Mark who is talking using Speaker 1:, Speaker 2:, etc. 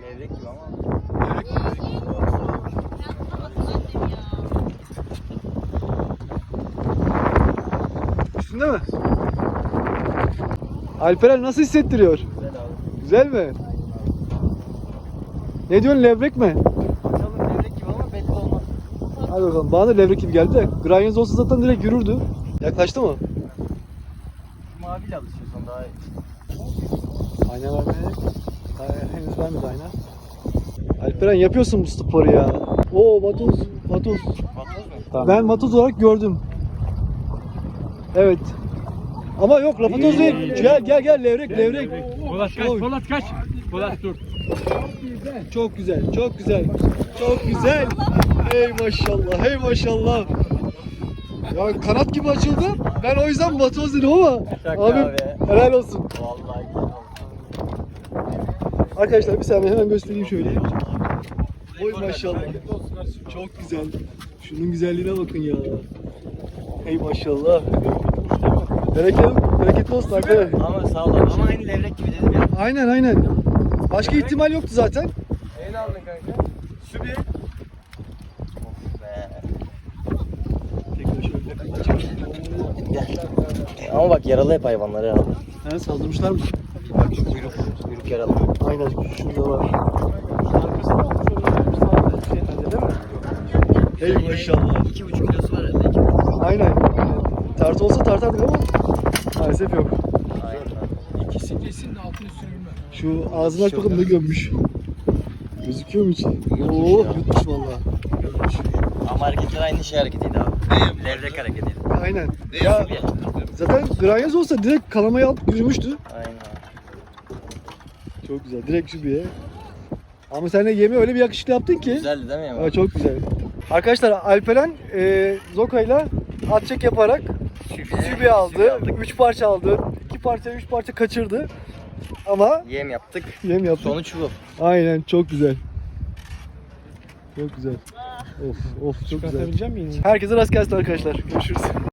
Speaker 1: Levrek gibi ama.
Speaker 2: Levrek gibi. Üstünde mi? Alperen nasıl hissettiriyor?
Speaker 1: Güzel abi.
Speaker 2: Güzel mi? Ne diyorsun, levrek mi?
Speaker 1: Bakalım levrek gibi ama belli olmaz.
Speaker 2: Hadi bakalım. Bana da levrek gibi geldi de. Granyoz olsa zaten direkt yürürdü. Yaklaştı mı?
Speaker 1: Maviyle alışıyorsan daha iyi.
Speaker 2: Ayna vermeye. Henüz vermedi ayna. Alperen yapıyorsun bu sporu ya. Oo, vatoz. Vatoz.
Speaker 1: Vatoz mu?
Speaker 2: Ben vatoz olarak gördüm. Evet. Ama yok, lapatoz değil. Gel levrek.
Speaker 3: Polat kaç,
Speaker 2: Oy.
Speaker 3: Polat kaç. Polat dur.
Speaker 2: Çok güzel, çok güzel. Çok güzel. Hey maşallah, hey maşallah. Ya kanat gibi açıldı. Ben o yüzden vatoz dedim ama
Speaker 1: Şaka
Speaker 2: abi
Speaker 1: abi.
Speaker 2: helal olsun.
Speaker 1: Vallahi güzel oldu.
Speaker 2: Arkadaşlar bir saniye hemen göstereyim şöyle. Oy maşallah. Çok güzel. Şunun güzelliğine bakın ya. Hey maşallah. Bereketli olsun arkadaşlar.
Speaker 1: Ama sağ ol abi. Ama aynı levrek gibi dedim ya.
Speaker 2: Aynen. Başka ihtimal yoktu zaten.
Speaker 1: Neyle aldın kanka?
Speaker 2: Sübi.
Speaker 1: Of be.
Speaker 2: Tekrar şöyle.
Speaker 1: Gel. Ama bak yaralı hep hayvanları abi.
Speaker 2: Ha, saldırmışlar mı?
Speaker 1: Bak şu kuyruk yaralı.
Speaker 2: Aynen, şurada var. Hey maşallah.
Speaker 1: 2,5 kilosu var herhalde. 2,5.
Speaker 2: Aynen. Tartı olsa tartardık ama maalesef yok.
Speaker 1: Aynen.
Speaker 3: İkisi kesin de altın üstüne bilmem.
Speaker 2: Şu ağzını aç bakalım, ne gömmüş. Gözüküyor mu hiç?
Speaker 1: Yutmuş
Speaker 2: Oo,
Speaker 1: ya.
Speaker 2: yutmuş valla. Gömmüş.
Speaker 1: Ama hareketler aynı şey hareketiydi abi. Levrek hareketiydi.
Speaker 2: Aynen. Ya zaten granyoz olsa direkt kalamayı alıp yürümüştü.
Speaker 1: Aynen.
Speaker 2: Çok güzel. Direkt şubeye. Ama sen de yemi öyle bir yakışıklı yaptın ki.
Speaker 1: Güzeldi değil mi Yaman?
Speaker 2: Evet, çok güzel. Arkadaşlar Alperen Zoka'yla at çek yaparak sübi aldı. 3 parça aldı. 2 parça 3 parça kaçırdı. Ama
Speaker 1: Yem yaptık.
Speaker 2: yem yaptı.
Speaker 1: Sonuç bu.
Speaker 2: Aynen, çok güzel. Çok güzel. Of çok güzel.
Speaker 3: Çıkartabileceğim miyim?
Speaker 2: Herkese rast gelsin arkadaşlar. Görüşürüz.